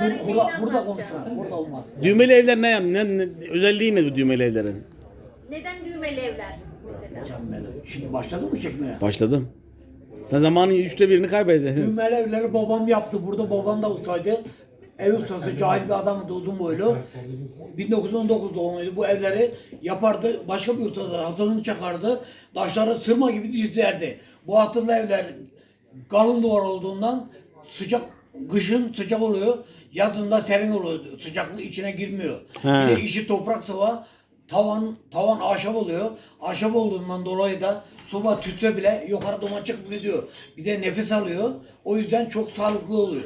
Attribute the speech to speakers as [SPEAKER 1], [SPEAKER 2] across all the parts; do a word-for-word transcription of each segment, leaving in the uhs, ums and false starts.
[SPEAKER 1] Onların şeyini
[SPEAKER 2] Burada, burada
[SPEAKER 1] anlatacağım.
[SPEAKER 2] konuşma. Burada olmaz.
[SPEAKER 3] Düğmeli evler ne, yani? ne, ne özelliği ne bu düğmeli evlerin?
[SPEAKER 1] Neden düğmeli evler mesela?
[SPEAKER 2] Canım benim. Şimdi başladı mı çekmeye?
[SPEAKER 3] Başladım. Sen zamanın üçte birini kaybettin.
[SPEAKER 2] Düğmeli evleri babam yaptı. Burada babam da ustaydı. Ev ustası, cahil bir adamdı, uzun boylu. bin dokuz yüz on dokuz doğumluydu. Bu evleri yapardı. Başka bir usta da hatırını çakardı. Taşları sırma gibi dizlerdi. Bu hatırlı evler kalın duvar olduğundan sıcak, kışın sıcak oluyor. Yazında serin oluyor. Sıcaklık içine girmiyor.
[SPEAKER 3] He.
[SPEAKER 2] Bir de içi toprak sıva. Tavan tavan ahşap oluyor. Ahşap olduğundan dolayı da soba tütse bile yukarı duman çıkıp gidiyor. Bir de nefes alıyor. O yüzden çok sağlıklı oluyor.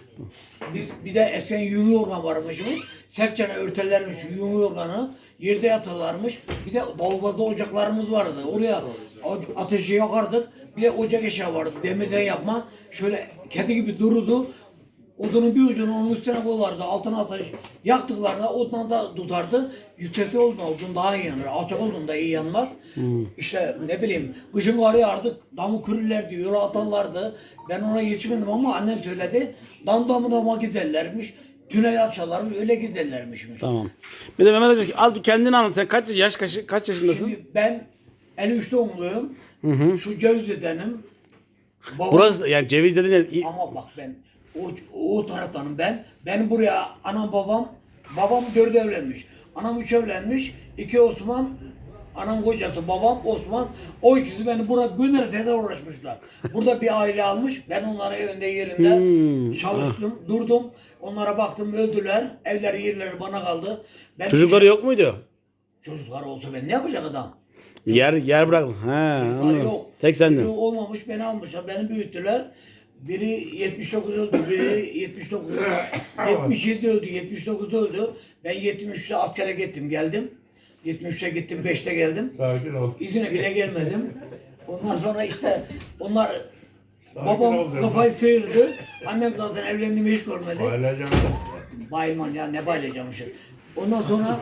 [SPEAKER 2] Biz bir de eskiden yünlü yorgan varmışmış. Sertçene örterlermiş yünlü yorganı. Yerde yatarlarmış. Bir de davulbazda ocaklarımız vardı. Oraya ateşi yakardık. Bir de ocak eşya vardı. Demirden yapma. Şöyle kedi gibi dururdu. Odunun bir ucunu onun üstüne koyardı. Altına ateş yaktıklarında odundan da tutardı. Yüksekte olduğunda odun daha iyi yanar. Alçak olduğunda iyi yanmaz. Hmm. İşte ne bileyim kışın kar yağardı. Damı kürürlerdi. Yola atarlardı. Ben ona yetişmedim ama annem söyledi. Dam damı dama giderlermiş. Tünel açarlarmış. Öyle giderlermişmiş.
[SPEAKER 3] Tamam. Bir de Mehmet abi az bir kendini anlat. Sen kaç yaş kaç, kaç yaşındasın?
[SPEAKER 2] Şimdi ben elli üç doğumluyum. Hı hı. Şu Cevizli'denim. Babam...
[SPEAKER 3] Burası yani ceviz dedin ya.
[SPEAKER 2] Ama bak ben o, o taraftanım ben. Benim buraya anam babam, babam dört evlenmiş. Anam üç evlenmiş. İki Osman, anam kocası babam Osman. O ikisi beni buraya gönderse de uğraşmışlar. Burada bir aile almış. Ben onlara evinde yerinde
[SPEAKER 3] Hmm.
[SPEAKER 2] çalıştım, durdum. Onlara baktım öldüler. Evleri yerleri bana kaldı. Ben
[SPEAKER 3] Çocukları yok muydu?
[SPEAKER 2] Çocuklar olsa ben ne yapacak adam?
[SPEAKER 3] Yer yer bırak. He,
[SPEAKER 2] Çocuklar
[SPEAKER 3] anladım.
[SPEAKER 2] yok.
[SPEAKER 3] Tek sendin.
[SPEAKER 2] Çocuğu olmamış beni almışlar. Beni büyüttüler. Biri yetmiş dokuz öldü, biri yetmiş dokuz öldü. yetmiş yedi öldü, yetmiş dokuz öldü. Ben yetmiş üçte askere gittim, geldim. yetmiş üçe gittim, beşte geldim.
[SPEAKER 4] Sakin ol.
[SPEAKER 2] İzine bile gelmedim. Ondan sonra işte onlar
[SPEAKER 4] Sakin
[SPEAKER 2] babam
[SPEAKER 4] ol diyorum.
[SPEAKER 2] kafayı sıyırdı. Annem zaten evlendiğimi hiç görmedi.
[SPEAKER 4] Ailece
[SPEAKER 2] Bayılman ya ne bayılacağım işte. Ondan sonra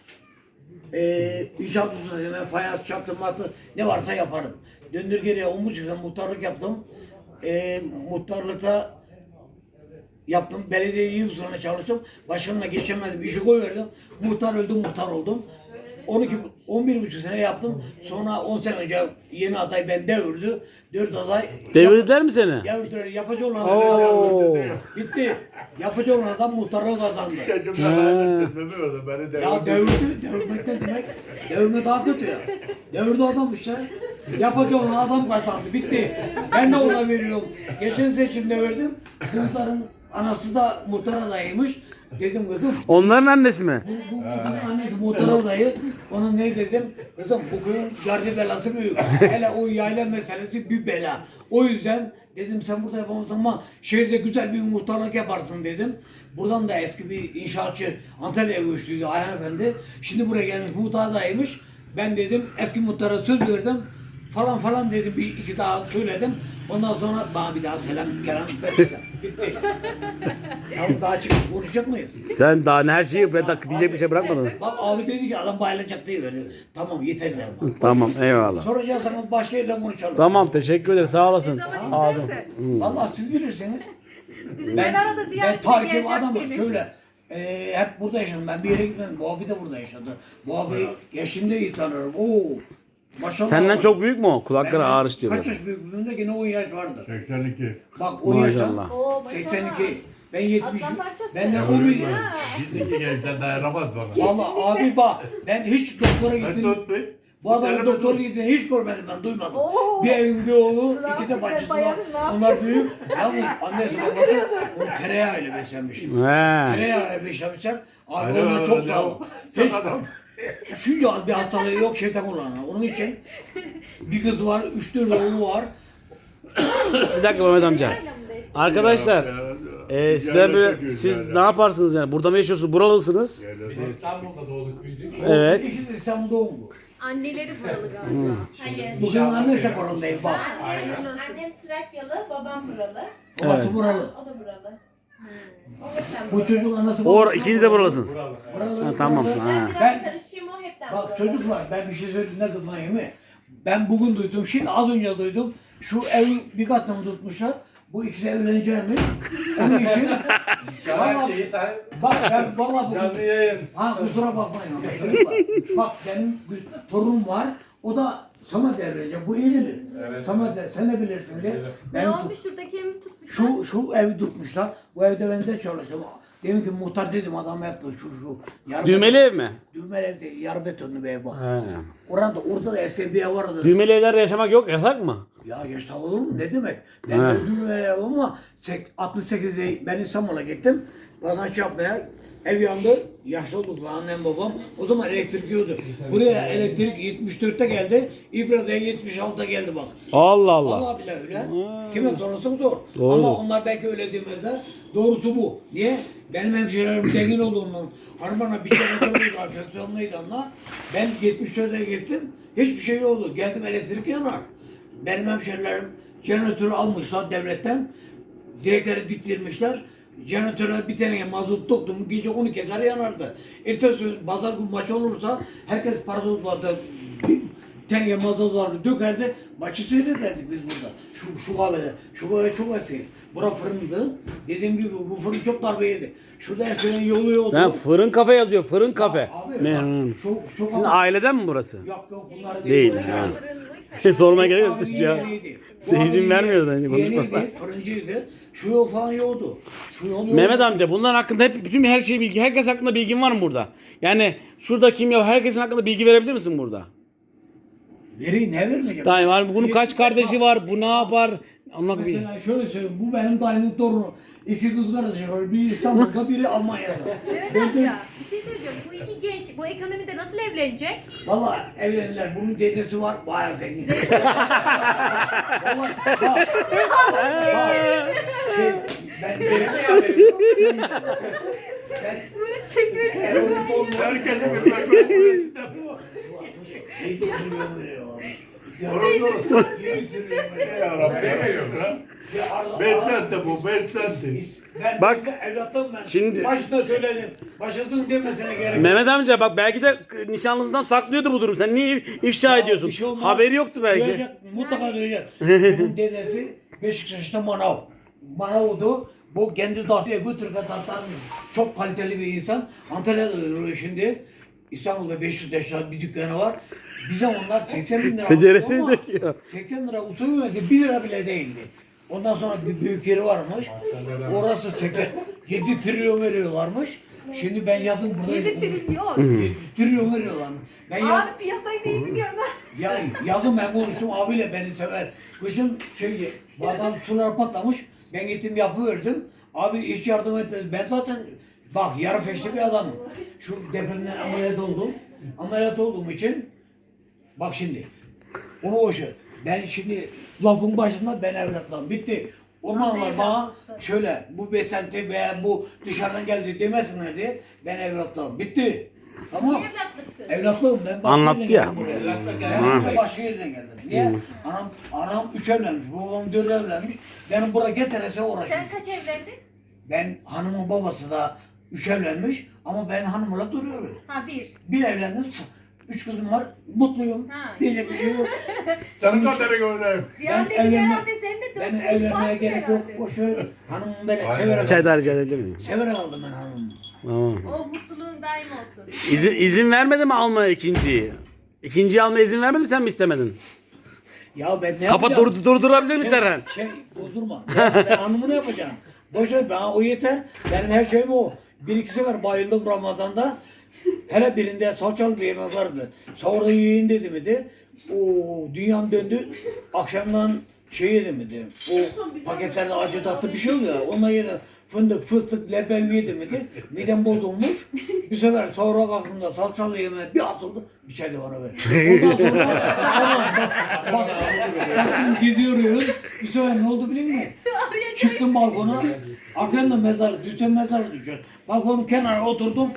[SPEAKER 2] eee inşaat ustasıyım ben fayans çaptım matı ne varsa yaparım. Döndür geriye on buçuk sene muhtarlık yaptım. Eee muhtarlıkta yaptım. Belediye yıl sonra çalıştım. Başkanına geçemedim. İşi koyverdim. Muhtar öldüm, muhtar oldum. on iki, on bir buçuk sene yaptım. Sonra on sene önce yeni aday ben devirdi. dört aday
[SPEAKER 3] Devirdiler mi seni?
[SPEAKER 2] devirdiler. Yapıcı olan
[SPEAKER 3] Oo.
[SPEAKER 2] bitti. Yapıcı olan adam muhtarlığı kazandı.
[SPEAKER 4] Çocuğum da kaybettim demiyordu. Beni
[SPEAKER 2] Ya
[SPEAKER 4] devirdi.
[SPEAKER 2] devirdi, devirmek ne demek? Devirme daha kötü ya. Devirdi adam işte. Yapıcı olan adam kazandı, bitti. Ben de ona veriyorum. Geçen seçimde verdim. Muhtarın anası da muhtar adayıymış. Dedim kızım,
[SPEAKER 3] Onların annesi mi?
[SPEAKER 2] bu, bu, bunun annesi muhtar adayı. Ona ne dedim? Kızım bu köyün gardi belası büyük. Hele o yayla meselesi bir bela. O yüzden dedim sen burada yapamazsın ama şehirde güzel bir muhtarlık yaparsın dedim. Buradan da eski bir inşaatçı Antalya'ya göçtüydü Ayhan Efendi. Şimdi buraya gelmiş muhtar adayıymış. Ben dedim eski muhtara söz verdim. Falan falan dedim bir iki daha söyledim. Ondan sonra bana bir daha selam gelen bitti. Ya daha çıkıp konuşacak mıyız?
[SPEAKER 3] Sen daha ne her şeyi bırak, diyecek bir şey bırakmadın.
[SPEAKER 2] Bak abi dedi ki adam bayılacak diye verdi. Tamam yeter der bana.
[SPEAKER 3] Tamam eyvallah.
[SPEAKER 2] Soracağız ama başka yerde konuşalım.
[SPEAKER 3] Tamam teşekkür ederim sağ olasın.
[SPEAKER 1] Zaman
[SPEAKER 3] Abi.
[SPEAKER 1] isterse.
[SPEAKER 2] Vallahi siz bilirsiniz.
[SPEAKER 1] Bizim ben, arada
[SPEAKER 2] ben
[SPEAKER 1] ziyaretine
[SPEAKER 2] tarikim
[SPEAKER 1] geleceğim
[SPEAKER 2] adamım
[SPEAKER 1] seni.
[SPEAKER 2] şöyle. E, hep burada yaşadım. Ben bir yere gitmedim. Bu abi de burada yaşadı. Bu abi yaşımda iyi tanırım. Oo. Maşallah.
[SPEAKER 3] Senden çok büyük mü o? Kulakları
[SPEAKER 2] Benden
[SPEAKER 3] ağrış diyorlar.
[SPEAKER 2] Kaç yaş büyüklüğünde gene on yaş vardı.
[SPEAKER 4] seksen iki.
[SPEAKER 2] Bak on yaşta
[SPEAKER 3] Maşallah.
[SPEAKER 1] Oo, maşallah.
[SPEAKER 2] seksen iki. Ben yetmiş.
[SPEAKER 1] Aslan parçası.
[SPEAKER 2] Benden on bir.
[SPEAKER 1] Ha.
[SPEAKER 4] Şimdiki gençler dayanamaz bana.
[SPEAKER 2] Vallahi abi bak ben hiç doktora
[SPEAKER 4] Ben
[SPEAKER 2] gittim.
[SPEAKER 4] tutmayayım.
[SPEAKER 2] Bu adamın doktora gittiğini hiç görmedim ben, duymadım.
[SPEAKER 1] Oo.
[SPEAKER 2] Bir evin bir oğlu,
[SPEAKER 1] Bravo,
[SPEAKER 2] iki de bacısı var.
[SPEAKER 1] bayanın ne
[SPEAKER 2] Onlar büyük. Yalnız annesi babası onu tereyağıyla beslenmiş.
[SPEAKER 3] He.
[SPEAKER 2] Tereyağıyla beslenmişler. Abi
[SPEAKER 4] Aynen
[SPEAKER 2] onlar
[SPEAKER 4] öyle,
[SPEAKER 2] çok
[SPEAKER 4] ne
[SPEAKER 2] sağ
[SPEAKER 4] o?
[SPEAKER 2] ol. Hiç, şu ya bir hastalığı yok şeytan kullanıyor. Onun için bir kız var, üç dört oğlu var.
[SPEAKER 3] Bir dakika Mehmet amca. Arkadaşlar e, sizler böyle siz ne yaparsınız yani? Burada mı yaşıyorsunuz? Buralısınız.
[SPEAKER 5] Biz İstanbul'da doğduk büyüdük.
[SPEAKER 3] Evet.
[SPEAKER 2] İkisi İstanbul'da doğumlu.
[SPEAKER 1] Anneleri buralı galiba.
[SPEAKER 6] Hayır.
[SPEAKER 2] Bugün annesi burundayım bak.
[SPEAKER 1] Hayırlı olsun.
[SPEAKER 6] Annem Trakyalı, babam buralı.
[SPEAKER 2] Babası buralı.
[SPEAKER 6] O da buralı. O da sen
[SPEAKER 2] Bu
[SPEAKER 6] buralı.
[SPEAKER 2] çocuğun anası
[SPEAKER 3] Or
[SPEAKER 2] babası
[SPEAKER 3] ikiniz de buralısınız.
[SPEAKER 5] Buralı.
[SPEAKER 2] buralı.
[SPEAKER 3] Ha, tamam.
[SPEAKER 2] buralı.
[SPEAKER 6] Ben
[SPEAKER 3] Ha.
[SPEAKER 6] biraz
[SPEAKER 2] Ben-
[SPEAKER 6] karışayım, o hepten
[SPEAKER 2] Bak
[SPEAKER 6] buralı.
[SPEAKER 2] çocuklar ben bir şey söyleyeyim ne kızmayın mı? Ben bugün duydum, şimdi az önce duydum. Şu ev bir katını tutmuşlar. Bu ikisi evlenecekmiş. Onun için
[SPEAKER 5] Her
[SPEAKER 2] Vallahi-
[SPEAKER 5] şeyi sen
[SPEAKER 2] bak sen valla bu
[SPEAKER 5] canlı yayın.
[SPEAKER 2] ha kusura bakmayın ama çocuklar. Bak benim bir torunum var. O da Samet evlenecek. Bu iyidir.
[SPEAKER 5] Evet.
[SPEAKER 2] Samet de- sen de bilirsin diye.
[SPEAKER 1] Ne
[SPEAKER 2] Ben
[SPEAKER 1] olmuş şuradaki evi tutmuşlar?
[SPEAKER 2] şu şu evi tutmuşlar. Bu evde ben de çalıştım. Demin ki muhtar dedim adam yaptı şu şu. Yarı
[SPEAKER 3] Düğmeli ev mi?
[SPEAKER 2] Düğmeli ev değil. Yarı betonlu bir ev bak.
[SPEAKER 3] He.
[SPEAKER 2] Orada orada da eski bir ev vardı.
[SPEAKER 3] Düğmeli evlerde yaşamak yok, yasak mı?
[SPEAKER 2] Ya yasak olur mu? Ne demek? Ben
[SPEAKER 3] Ha.
[SPEAKER 2] öldüğüm ev ama sek- altmış sekizde ben İstanbul'a gittim. Kazanç yapmaya. Ev yandı. Yaşlı olduk lan annem babam. O zaman elektrik yoktu. Buraya elektrik yetmiş dörtte geldi. İbra'da yetmiş altıda geldi bak.
[SPEAKER 3] Allah Allah.
[SPEAKER 2] Allah bile öyle. Kime sorarsan zor.
[SPEAKER 3] Doğru.
[SPEAKER 2] Ama onlar belki öyle demezler. Doğrusu bu. Niye? Benim hemşehrilerim zengin olduğundan harmana bir kere soruydu enflasyonluydu ama ben yetmiş dörtte gittim. Hiçbir şey yoktu. Geldim elektrik yanar. Benim hemşehrilerim jeneratörü almışlar devletten. Direkleri diktirmişler. Jeneratöre bir tane mazot doktum. Gece on iki kadar yanardı. Ertesi gün pazar gün maç olursa herkes parazotlarda bir tane mazotları dökerdi. Maçı seyrederdik biz burada. Şu, şu kahvede. Şu kahve çok eski. Bura fırındı. Dediğim gibi bu fırın çok darbe yedi. Şurada eskiden yolu yoldu.
[SPEAKER 3] Ha, fırın kafe yazıyor, fırın kafe.
[SPEAKER 2] Abi,
[SPEAKER 3] Memnun.
[SPEAKER 2] bak, şu, şu
[SPEAKER 3] Sizin
[SPEAKER 2] kahve-
[SPEAKER 3] aileden mi burası?
[SPEAKER 2] Yok yok bunlar
[SPEAKER 3] Değil,
[SPEAKER 2] değil.
[SPEAKER 3] yani.
[SPEAKER 1] Fırınmış.
[SPEAKER 3] Sormaya gerek yok
[SPEAKER 2] Abi
[SPEAKER 3] siz ya.
[SPEAKER 2] yeniydi.
[SPEAKER 3] Size
[SPEAKER 2] Bu
[SPEAKER 3] izin
[SPEAKER 2] abi
[SPEAKER 3] vermiyoruz
[SPEAKER 2] yeni-
[SPEAKER 3] hani konuşma.
[SPEAKER 2] Yeniydi, fırıncıydı. Şu yol falan yoktu. Şu yol yoktu.
[SPEAKER 3] Mehmet amca bunların hakkında hep bütün her şey bilgi. Herkes hakkında bilgin var mı burada? Yani şurada kim ya herkesin hakkında bilgi verebilir misin burada?
[SPEAKER 2] Vereyim ne vermeyeceğim?
[SPEAKER 3] Tamam var bunun kaç kardeşi var? Bu ne yapar? Anlat bir.
[SPEAKER 2] Mesela şöyle söyleyeyim, bu benim dayımın torunu. İki kız kardeşi var, biri İstanbul'da, biri Almanya'da.
[SPEAKER 1] Mehmet amca bir şey söyleyeceğim. Bu iki genç bu ekonomide nasıl evlenecek?
[SPEAKER 2] Valla evlendiler, bunun dedesi var, bayağı zengin. Valla, bak, bak, şey, ben ben,
[SPEAKER 1] Bunu çekiyor.
[SPEAKER 2] Erol'un torunu var.
[SPEAKER 4] Herkesi bir mecburiyetinde bu.
[SPEAKER 2] Yedi trilyon veriyorlar.
[SPEAKER 4] Orası
[SPEAKER 2] Yedi trilyon
[SPEAKER 4] Ne
[SPEAKER 2] veriyorlar.
[SPEAKER 4] yarabbim ya?
[SPEAKER 2] Ya Arda-
[SPEAKER 4] Beslenti bu, beslenti.
[SPEAKER 2] Ben
[SPEAKER 3] Bak,
[SPEAKER 2] Bak, evlatım ben.
[SPEAKER 3] şimdi-
[SPEAKER 2] Başta söyledim. Başlasın demesine gerek yok.
[SPEAKER 3] Mehmet amca bak belki de nişanlısından saklıyordu bu durum. Sen niye ifşa
[SPEAKER 2] Ya,
[SPEAKER 3] ediyorsun?
[SPEAKER 2] bir şey olmaz.
[SPEAKER 3] Haberi yoktu belki.
[SPEAKER 2] Duyacak, mutlaka duyacak. Bunun dedesi Beşiktaş'ta manav. Manav'du. Bu kendi dahtiye götürüp atarmış. Çok kaliteli bir insan. Antalya'da duruyor şimdi. İstanbul'da beş yüz yaşlar bir dükkanı var. Bize onlar seksen bin lira
[SPEAKER 3] Seceresi
[SPEAKER 2] aldı ama
[SPEAKER 3] döküyor.
[SPEAKER 2] seksen lira usul verdi. bir lira bile değildi. Ondan sonra bir büyük yeri varmış. Orası seksen yedi trilyon veriyorlarmış. Şimdi ben yazın burada
[SPEAKER 1] yedi trilyon.
[SPEAKER 2] yedi trilyon veriyorlarmış. Ben yaz,
[SPEAKER 1] Abi piyasayı değil biliyorsun.
[SPEAKER 2] ya yazın ben konuştum abiyle beni sever. Kışın şey adam sular patlamış. Ben gittim yapıverdim. Abi hiç yardım etmedi. Ben zaten bak yarı feşli bir adamım. Şu depremden ameliyat oldum. Ameliyat olduğum için bak şimdi onu boş ver. Ben şimdi lafın başında ben evlatlarım. Bitti. Onlar bana şöyle bu besenti veya bu dışarıdan geldi demesinler diye ben evlatlarım. Bitti. Tamam.
[SPEAKER 1] Evlatlıksın.
[SPEAKER 2] Evlatlığım ben başka
[SPEAKER 3] Anlattı
[SPEAKER 2] yerden
[SPEAKER 3] ya.
[SPEAKER 2] geldim buraya. Evlatlık geldim. Ben başka yerden geldim. Niye? Anam, anam üç evlenmiş, babam dört evlenmiş. Benim buraya getirese uğraşmış.
[SPEAKER 1] Sen kaç evlendin?
[SPEAKER 2] Ben hanımın babası da üç evlenmiş ama ben hanımla duruyorum.
[SPEAKER 1] Ha bir.
[SPEAKER 2] Bir evlendim, üç kızım var, mutluyum.
[SPEAKER 1] Ha.
[SPEAKER 2] Diyecek bir şey yok.
[SPEAKER 4] Senin kaderin öyle.
[SPEAKER 1] Bir
[SPEAKER 2] Ben
[SPEAKER 1] an dedim
[SPEAKER 2] evlenme-
[SPEAKER 1] herhalde sen de
[SPEAKER 2] Ben
[SPEAKER 1] dört beş
[SPEAKER 2] evlenmeye
[SPEAKER 1] varsın
[SPEAKER 2] gerek yok.
[SPEAKER 1] herhalde.
[SPEAKER 2] Boş ver. Hanımım beni
[SPEAKER 4] Aynen.
[SPEAKER 2] severek
[SPEAKER 3] Çay
[SPEAKER 2] aldı.
[SPEAKER 3] daha rica edebilir miyim?
[SPEAKER 2] Severek aldım ben hanımımı.
[SPEAKER 3] Tamam.
[SPEAKER 1] O mutluluğun daim olsun.
[SPEAKER 3] İzin, izin vermedi mi almaya ikinciyi? İkinciyi almaya izin vermedi mi sen mi istemedin?
[SPEAKER 2] Ya ben ne
[SPEAKER 3] Kapat
[SPEAKER 2] yapacağım?
[SPEAKER 3] dur, durdurabilir misin Erhan?
[SPEAKER 2] Şey, durdurma. Ya ben hanımı ne yapacağım? Boş ver, bana o yeter. Benim her şeyim o. Bir ikisi var, bayıldım Ramazan'da. Hele birinde salçalı bir yemek vardı. Sahurda yiyin dedi miydi? O dünyam döndü. Akşamdan şey yedim miydi? O paketlerde acı tatlı bir şey oluyor ya. Onunla yedim. Fındık, fıstık, leblebi yedim miydi? Midem bozulmuş. Bir sefer sahura kalktığımda salçalı yemeğe bir atıldı. Bir çay da bana ver. Ondan sonra aman bak, bak, baktım gidiyoruz. Bir sefer ne oldu biliyor musun? Çıktım balkona. Arkamda mezar, düşen mezar düşüyor. Balkonun kenarına oturdum.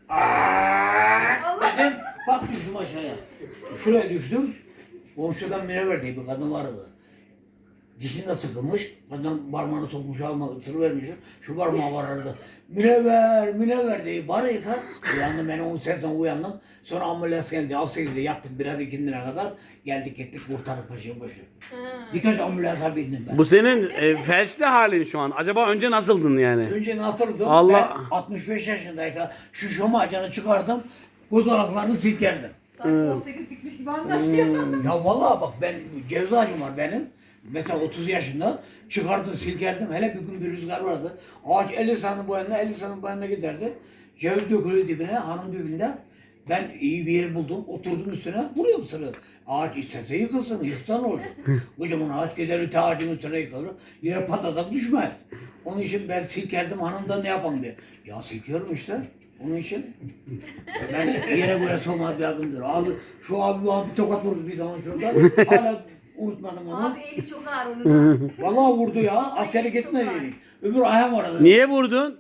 [SPEAKER 1] Allah.
[SPEAKER 2] Dedim, bak düştüm aşağıya. Şuraya düştüm. Komşudan münevver diye bir kadın vardı. Dişinde sıkılmış. Kadın parmağını sokmuş alma ısır vermiş. Şu parmağı varardı. Münevver, münevver diye bari yıkar. Uyandım ben onun sesinden uyandım. Sonra ambulans geldi. Al sekizde yattık biraz ikindine kadar. Geldik gittik kurtardık paşa başı. Birkaç ambulansa bindim ben.
[SPEAKER 3] Bu senin e, felçli halin şu an. Acaba önce nasıldın yani?
[SPEAKER 2] Önce nasıldım?
[SPEAKER 3] Allah-
[SPEAKER 2] Ben altmış beş yaşındayken şu şomacını çıkardım. Kozalaklarını silkerdim.
[SPEAKER 1] Sanki on sekiz dikmiş gibi anlatıyor.
[SPEAKER 2] Ya vallahi bak ben cevzacım var benim. Mesela otuz yaşında çıkardım silkerdim. Hele bir gün bir rüzgar vardı. Ağaç elli santim bu yana elli santim bu yana giderdi. Ceviz dökülüyor dibine hanım dibinde. Ben iyi bir yer buldum. Oturdum üstüne. Vuruyorum sırrı. Ağaç istese yıkılsın. Yıksan olur. Kocaman ağaç gider öte ağacın üstüne yıkılır. Yere patatak düşmez. Onun için ben silkerdim hanım da ne yapalım diye. Ya silkiyorum işte. Onun için ben yere göre sokmağa bir adım diyor. Abi şu abi bu abi bir tokat vurdu bir zaman şurada. Hala unutmadım onu.
[SPEAKER 1] Abi eli çok ağır onun da.
[SPEAKER 2] Vallahi vurdu ya. Askerlik
[SPEAKER 1] çok
[SPEAKER 2] etmedi.
[SPEAKER 1] ağır.
[SPEAKER 2] Öbür ayağım aradı.
[SPEAKER 3] Niye vurdun?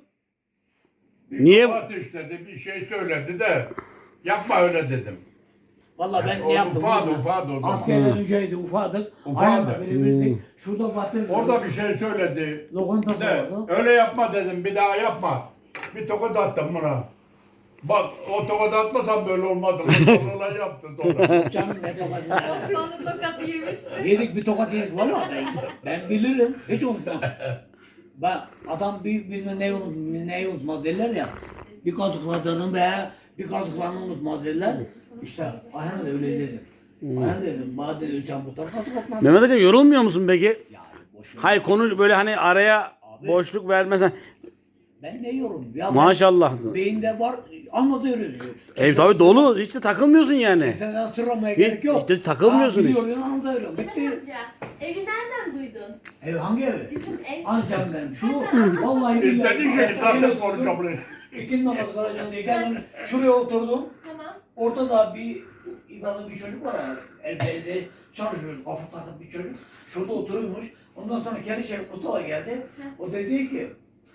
[SPEAKER 4] Bir
[SPEAKER 3] Niye-
[SPEAKER 4] kabahat işledi, bir şey söyledi de yapma öyle dedim.
[SPEAKER 2] Vallahi ben
[SPEAKER 4] Yani
[SPEAKER 2] ne
[SPEAKER 4] o
[SPEAKER 2] yaptım?
[SPEAKER 4] ufadı,
[SPEAKER 2] bilmiyorum.
[SPEAKER 4] ufadı o zaman.
[SPEAKER 2] Askerden önceydi ufadık.
[SPEAKER 4] Ufadı.
[SPEAKER 2] Ayağımla birbirimizi. Şurada battı.
[SPEAKER 4] Orada bir şey söyledi.
[SPEAKER 2] Lokantası
[SPEAKER 4] De,
[SPEAKER 2] vardı.
[SPEAKER 4] öyle yapma dedim, bir daha yapma. Bir tokat attım buna. Bak o tokat atmasam böyle olmadı. Sonra yaptı sonra.
[SPEAKER 2] Canım ne tokat.
[SPEAKER 1] Osmanlı tokatı yemişsin.
[SPEAKER 2] Yedik bir tokat yedik vallahi ben, ben bilirim. Hiç unutmam. Ben adam bir bilmem neyi unut, neyi unutmaz derler ya. Bir kazıkladığını veya bir kazıklarını unutmaz derler. İşte Ayhan da öyle dedim. Ayhan dedim, bana dedi sen bu tarafa kazık atmadın.
[SPEAKER 3] Mehmet Hocam yorulmuyor musun peki?
[SPEAKER 2] Yani boş ver.
[SPEAKER 3] Hayır konu böyle hani araya
[SPEAKER 2] Abi.
[SPEAKER 3] boşluk vermesen.
[SPEAKER 2] Ben ne yorum? Ya ben-
[SPEAKER 3] Maşallah.
[SPEAKER 2] Beyinde var, anlatıyoruz.
[SPEAKER 3] Ev tabii dolu. Hiç de takılmıyorsun yani.
[SPEAKER 2] Sen sırlamaya
[SPEAKER 3] Hiç-
[SPEAKER 2] gerek yok.
[SPEAKER 3] işte takılmıyorsun
[SPEAKER 2] Ha,
[SPEAKER 3] hiç.
[SPEAKER 2] biliyorum, anlatıyorum.
[SPEAKER 6] Mehmet
[SPEAKER 2] Bitti.
[SPEAKER 6] amca, evi nereden duydun?
[SPEAKER 2] Ev hangi evi?
[SPEAKER 6] Bizim ev.
[SPEAKER 2] Antep benim. Şu vallahi
[SPEAKER 4] İstediği şeyi zaten konuşabilir.
[SPEAKER 2] İkinci namazı kılacağım diye geldim. Şuraya oturdum.
[SPEAKER 6] Tamam.
[SPEAKER 2] Orada da bir İbrahim bir çocuk var ya. El elde çalışıyoruz. Kafa takıp bir çocuk. Şurada oturuyormuş. Ondan sonra kendi şey Mustafa geldi. O dedi ki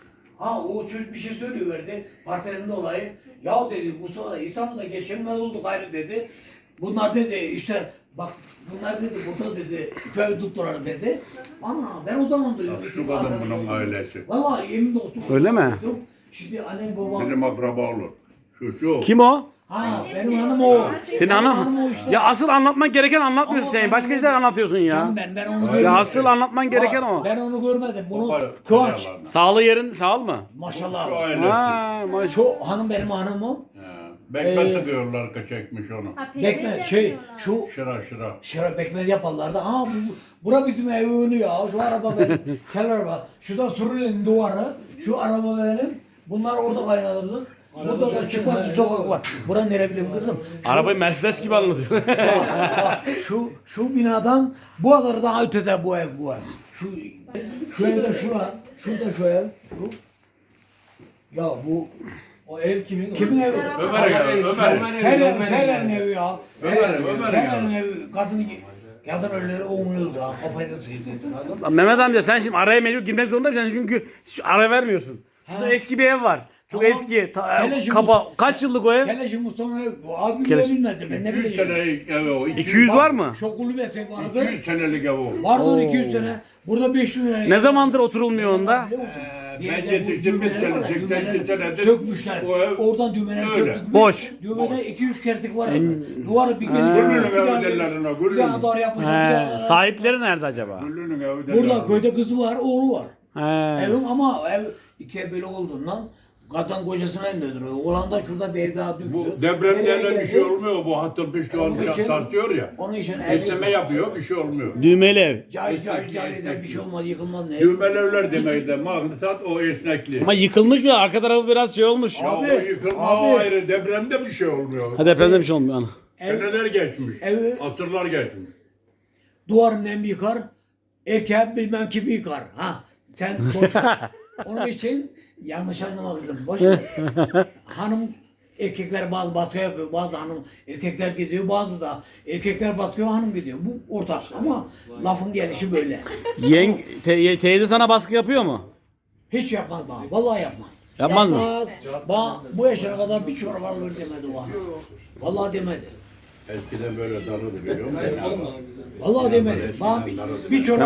[SPEAKER 2] ha o çocuk bir şey söylüyorverdi. Partilerinde olayı. Ya dedi Mustafa da İstanbul'da geçinmez olduk ayrı dedi. Bunlar dedi işte bak bunlar dedi burada dedi köy tuttular dedi. Ana ben o zaman duydum.
[SPEAKER 4] Şu kadın bunun ailesi.
[SPEAKER 2] Vallahi yemin olsun.
[SPEAKER 3] Öyle mi?
[SPEAKER 2] Şimdi annem babam.
[SPEAKER 4] Bizim akraba olur. Şu şu.
[SPEAKER 3] Kim o?
[SPEAKER 2] Ha benim hanım o.
[SPEAKER 3] Senin
[SPEAKER 2] Benim
[SPEAKER 3] hanım.
[SPEAKER 2] o işte.
[SPEAKER 3] Ya asıl anlatman gereken anlatmıyorsun
[SPEAKER 2] Ama
[SPEAKER 3] sen.
[SPEAKER 2] ben
[SPEAKER 3] Başka
[SPEAKER 2] onu-
[SPEAKER 3] şeyler anlatıyorsun ya.
[SPEAKER 2] Canım ben ben onu
[SPEAKER 4] Ya
[SPEAKER 2] görmedim.
[SPEAKER 3] Ya asıl anlatman gereken
[SPEAKER 2] Ha,
[SPEAKER 3] o.
[SPEAKER 2] Ben onu görmedim. Bunu
[SPEAKER 4] Baba,
[SPEAKER 2] Kıvanç.
[SPEAKER 4] yalan.
[SPEAKER 3] Sağlı yerin sağ mı?
[SPEAKER 4] Şu
[SPEAKER 2] Maşallah.
[SPEAKER 4] ailesi.
[SPEAKER 3] Ha, maş-
[SPEAKER 2] Şu hanım benim hanımım.
[SPEAKER 4] Ha, Bekmez
[SPEAKER 2] Ee,
[SPEAKER 4] sıkıyorlar ki çekmiş onu.
[SPEAKER 1] Ha, pekmez
[SPEAKER 2] Bekme şey
[SPEAKER 1] yapıyorlar.
[SPEAKER 2] şu
[SPEAKER 4] Şıra şıra.
[SPEAKER 2] şarap bekmez yaparlardı. Ha bu bura bizim ev önü ya. Şu araba benim. Kel araba. Şurada Suriyeli'nin duvarı. Şu araba benim. Bunlar orada kaynatırdık. Burada da çıkmaz bir sokak var. Bura nere bileyim kızım. Şu-
[SPEAKER 3] Arabayı Mercedes gibi anlatıyor.
[SPEAKER 2] Bak, şu şu binadan bu kadar daha ötede bu ev bu ev. Şu şu evde şura, şurada şu ev, şu. Ya bu
[SPEAKER 5] O ev kimin?
[SPEAKER 2] kimin evi?
[SPEAKER 4] Ömer'in evi, Ömer'in.
[SPEAKER 2] Fener, Fener'in evi ya.
[SPEAKER 4] Ömer'in, Ömer'in
[SPEAKER 2] Fener'in evi. Kadın kadın ölüleri oynuyordu ha. Kafayı da sıyırdı kadın.
[SPEAKER 3] Lan Mehmet amca sen şimdi araya mecbur girmek zorunda mısın? Çünkü şu ara vermiyorsun. Şurada
[SPEAKER 2] Ha.
[SPEAKER 3] eski bir ev var. Çok
[SPEAKER 2] Tamam.
[SPEAKER 3] eski. Ta-
[SPEAKER 2] Hele şimdi-
[SPEAKER 3] kapa kaç yıllık o ev?
[SPEAKER 2] Keleşi Mustafa ev. Bu abi bile
[SPEAKER 3] Keleş.
[SPEAKER 2] bilmedi. Ben ne
[SPEAKER 4] iki yüz
[SPEAKER 2] bileyim.
[SPEAKER 4] senelik ev o.
[SPEAKER 3] iki yüz var mı?
[SPEAKER 2] Şu kulübesi vardı.
[SPEAKER 4] iki yüz senelik ev o.
[SPEAKER 2] Vardı
[SPEAKER 3] Oo.
[SPEAKER 2] iki yüz sene. Burada beş yüz sene.
[SPEAKER 3] Ne zamandır oturulmuyor onda?
[SPEAKER 2] Biliyor musun?
[SPEAKER 4] Ee,
[SPEAKER 2] Bir
[SPEAKER 4] ben
[SPEAKER 2] yerde bu
[SPEAKER 4] yetiştim bir
[SPEAKER 2] düğmeler
[SPEAKER 4] sene,
[SPEAKER 2] var ya,
[SPEAKER 4] seksen iki
[SPEAKER 2] düğmeleri
[SPEAKER 4] senedir
[SPEAKER 2] sökmüşler.
[SPEAKER 4] bu ev
[SPEAKER 2] Oradan düğmeleri
[SPEAKER 4] öyle.
[SPEAKER 2] söktük.
[SPEAKER 3] Boş.
[SPEAKER 2] Düğmede iki üç kertik var. Duvarı bir
[SPEAKER 3] Ha.
[SPEAKER 2] geniş.
[SPEAKER 4] Güllü'nün
[SPEAKER 2] bir
[SPEAKER 4] evi
[SPEAKER 2] daha-
[SPEAKER 4] derler ona,
[SPEAKER 2] Bir
[SPEAKER 4] Güllü'nün.
[SPEAKER 2] daha dar yapmışlar. bir
[SPEAKER 3] He,
[SPEAKER 2] daha-
[SPEAKER 3] sahipleri nerede acaba?
[SPEAKER 4] Güllü'nün evi derler.
[SPEAKER 2] Burada
[SPEAKER 4] ona.
[SPEAKER 2] köyde kızı var, oğlu var.
[SPEAKER 3] He.
[SPEAKER 2] Evim ama ev ikiye böyle olduğundan kadın kocasına indiriyor. Oğlan da şurada bir ev daha düştü.
[SPEAKER 4] Bu deprem
[SPEAKER 2] Nereye
[SPEAKER 4] denen bir
[SPEAKER 2] geldi?
[SPEAKER 4] şey olmuyor. Bu hatır pişti
[SPEAKER 2] Onun için-
[SPEAKER 4] tartıyor ya.
[SPEAKER 2] Onun için
[SPEAKER 4] Besleme yapıyor, bir şey olmuyor.
[SPEAKER 3] Düğmeli ev.
[SPEAKER 2] Cahil cahil cahil eder bir şey olmaz yıkılmaz ne?
[SPEAKER 4] Düğmeli evler demeyi de maksat o esnekliği.
[SPEAKER 3] Ama yıkılmış mı? Arka tarafı biraz şey olmuş.
[SPEAKER 4] Ya
[SPEAKER 2] Abi,
[SPEAKER 4] o yıkılma
[SPEAKER 2] abi.
[SPEAKER 4] o ayrı. Depremde bir şey olmuyor.
[SPEAKER 3] Ha depremde bir şey olmuyor ana.
[SPEAKER 2] Ev,
[SPEAKER 4] Seneler geçmiş.
[SPEAKER 2] evi
[SPEAKER 4] Asırlar geçmiş.
[SPEAKER 2] duvarın nem yıkar, erkeğin bilmem kimi yıkar. Ha sen koş. Onun için yanlış anlama kızım. Boş ver. Hanım erkekler bazı baskı yapıyor, bazı hanım erkekler gidiyor, bazı da erkekler baskıyor, hanım gidiyor. Bu ortak ama lafın gelişi böyle.
[SPEAKER 3] Yeng te- teyze sana baskı yapıyor mu?
[SPEAKER 2] Hiç yapmaz bana, vallahi yapmaz.
[SPEAKER 3] Yapmaz mı?
[SPEAKER 2] Bana bu yaşına kadar bir çorba alır demedi bana. Vallahi demedi.
[SPEAKER 4] Eskiden böyle darıdı biliyor musun?
[SPEAKER 2] Vallahi demedi. Bana bir, bir çorba